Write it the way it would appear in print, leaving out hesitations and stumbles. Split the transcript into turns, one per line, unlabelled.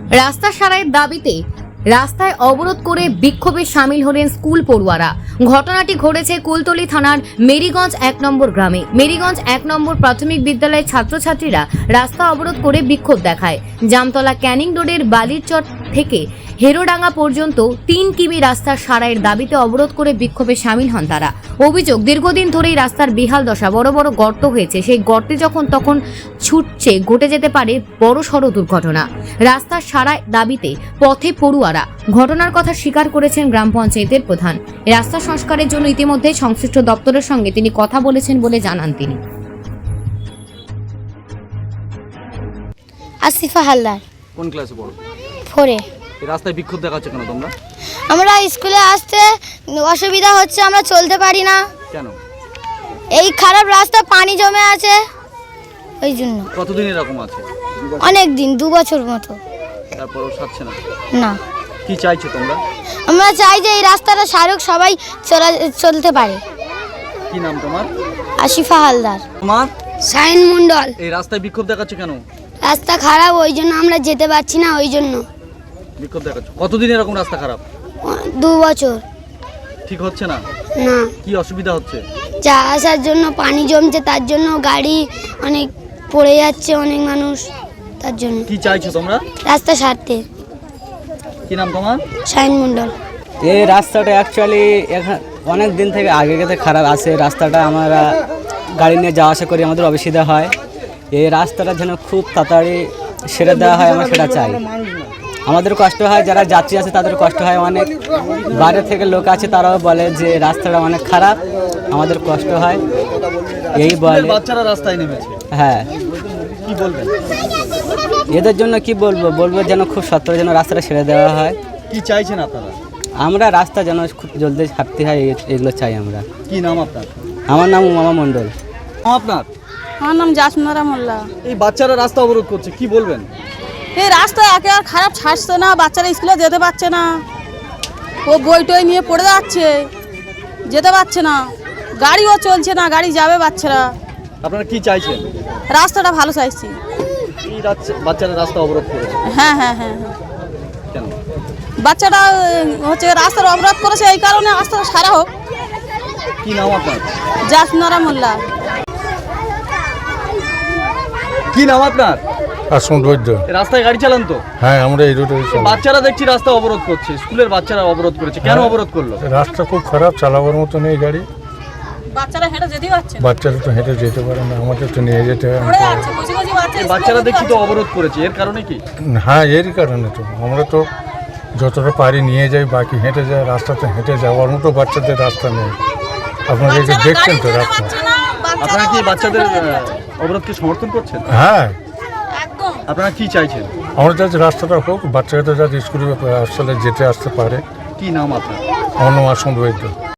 রাস্তা সারাইয়ের দাবিতে রাস্তায় অবরোধ করে বিক্ষোভে সামিল হলেন স্কুল পড়ুয়ারা। ঘটনাটি ঘটেছে কুলতলি থানার মেরিগঞ্জ 1 নম্বর গ্রামে। মেরিগঞ্জ 1 নম্বর প্রাথমিক বিদ্যালয়ের ছাত্রছাত্রীরা রাস্তা অবরোধ করে বিক্ষোভ দেখায়। জামতলা ক্যানিং রোডের বালিরচর থেকে হেরোডাঙ্গা পর্যন্ত 3 কিমি রাস্তার সারাইয়ের দাবিতে অবরোধ করে বিক্ষোভে সামিল হন তারা। অভিযোগ, দীর্ঘদিন ধরেই রাস্তার বেহাল দশা, বড় বড় গর্ত হয়েছে। সেই গর্তে যখন তখন ছুটছে, ঘটে যেতে পারে বড়সড় দুর্ঘটনা। রাস্তার সারাই দাবিতে পথে পড়ুয়ারা। ঘটনার কথা স্বীকার করেছেন গ্রাম পঞ্চায়েতের প্রধান। রাস্তা সংস্কারের জন্য ইতিমধ্যে সংশ্লিষ্ট দপ্তরের সঙ্গে তিনি কথা বলেছেন বলে জানান তিনি।
আসিফা হালদার।
কোন ক্লাসে পড়ো?
4-এ।
এই রাস্তায় বিক্ষোভ দেখাচ্ছ কেন তোমরা?
আমরা স্কুলে আসতে অসুবিধা হচ্ছে, আমরা চলতে পারি না।
কেন?
এই খারাপ রাস্তা, পানি জমে আছে, ওই জন্য।
কতদিন এরকম আছে?
অনেক দিন, 2 বছর মতো।
তারপরও সারছে না?
না।
কি চাইছো তোমরা?
আমরা চাই যে এই রাস্তাটা সারুক, সবাই চলতে পারে।
কি নাম তোমার?
আসিফা হালদার।
তোমার?
সাইন মন্ডল।
এই রাস্তায় বিক্ষোভ দেখাচ্ছ কেন?
রাস্তা খারাপ, ওই জন্য আমরা যেতে পারছি না, ওই জন্য
বিক্ষোভ দেখাচ্ছ। কতদিন এরকম রাস্তা খারাপ?
2 বছর।
ঠিক হচ্ছে না?
না।
কি অসুবিধা হচ্ছে?
যা আসার জন্য পানি জমছে, তার জন্য গাড়ি অনেক পড়ে যাচ্ছে, অনেক মানুষ, তার জন্য।
কি চাইছো তোমরা?
রাস্তা সারতে।
কি নাম তোমার?
সাইন মন্ডল।
এই রাস্তাটা অ্যাকচুয়ালি অনেক দিন থেকে আগে থেকে খারাপ আছে। রাস্তাটা আমরা গাড়ি নিয়ে যাওয়া আসা করি, আমাদের অসুবিধা হয়। এই রাস্তাটা যেন খুব তাড়াতাড়ি সেরে দেওয়া হয়, আমরা সেটা চাই। আমাদের কষ্ট হয়, যারা যাত্রী আছে তাদের কষ্ট হয় অনেক। বাইরে থেকে লোক আছে, তারাও বলে যে রাস্তাটা অনেক খারাপ, আমাদের কষ্ট হয়। এই বলে
বাচ্চারা রাস্তায় নেমেছে।
হ্যাঁ,
কি বলবেন?
এদের জন্য কি বলবো যেন খুব সত্তর যেন রাস্তাটা ছেড়ে দেওয়া হয়।
কি চাইছেন আপনারা?
আমরা রাস্তা যেন খুব জলদি ছাড়তে হয়, এগুলো চাই আমরা।
কি নাম আপনার?
আমার নাম উমামা মণ্ডল।
আপনার?
আমার নাম জাসমনারা মোল্লা।
এই বাচ্চারা রাস্তা অবরোধ করছে, কি বলবেন?
এই রাস্তা একেবারে খারাপ, ছাড়ছে না, বাচ্চারা স্কুলে যেতে পারছে না। ও বই টই নিয়ে পড়ে যাচ্ছে, যেতে পারছে না, গাড়িও চলছে না, গাড়ি যাবে বাচ্চারা।
আপনারা কি চাইছেন?
রাস্তাটা ভালো চাইছি।
এই বাচ্চারা রাস্তা অবরোধ করেছে
হ্যাঁ হ্যাঁ হ্যাঁ হ্যাঁ।
কেন?
বাচ্চাটা হচ্ছে রাস্তার অবরোধ করেছে, এই কারণে রাস্তাটা সারা হোক।
কি নাম আপনার?
জাসমনারা মোল্লা।
কি নাম আপনার?
আসমত বৈদ্য।
রাস্তায় গাড়ি চালান তো?
হ্যাঁ, আমরা এই রোডে
বাচ্চারা দেখছি রাস্তা অবরোধ করছে, স্কুলের বাচ্চারা অবরোধ করেছে, কেন অবরোধ করলো?
রাস্তা খুব খারাপ, চালাবার মতো নেই গাড়ি।
বাচ্চারা হেঁটে যেতেই পারছে না।
বাচ্চারা তো হেঁটে যেতে পারে না, আমাদের তো নিয়ে যেতে হয়।
পড়ে যাচ্ছে, কচি কচি বাচ্চা
এই বাচ্চারা দেখছি তো অবরোধ করেছে, এর কারণে কি?
হ্যাঁ, এরই কারণে তো আমরা তো যতটা পারি নিয়ে যাই, বাকি হেঁটে যায়। রাস্তাতে হেঁটে যাওয়ার মতো বাচ্চাদের রাস্তা নেই। আপনারা এই যে দেখছেন তো রাস্তা।
আপনারা কি বাচ্চাদের অবরোধকে সমর্থন করছেন?
হ্যাঁ,
একদম।
আপনারা কি চাইছেন?
আমরা যাতে রাস্তাটা হোক, বাচ্চারা যাতে স্কুলে আসলে যেতে আসতে পারে।
কি নাম আপনার?
আমার নাম আসমত বৈদ্য।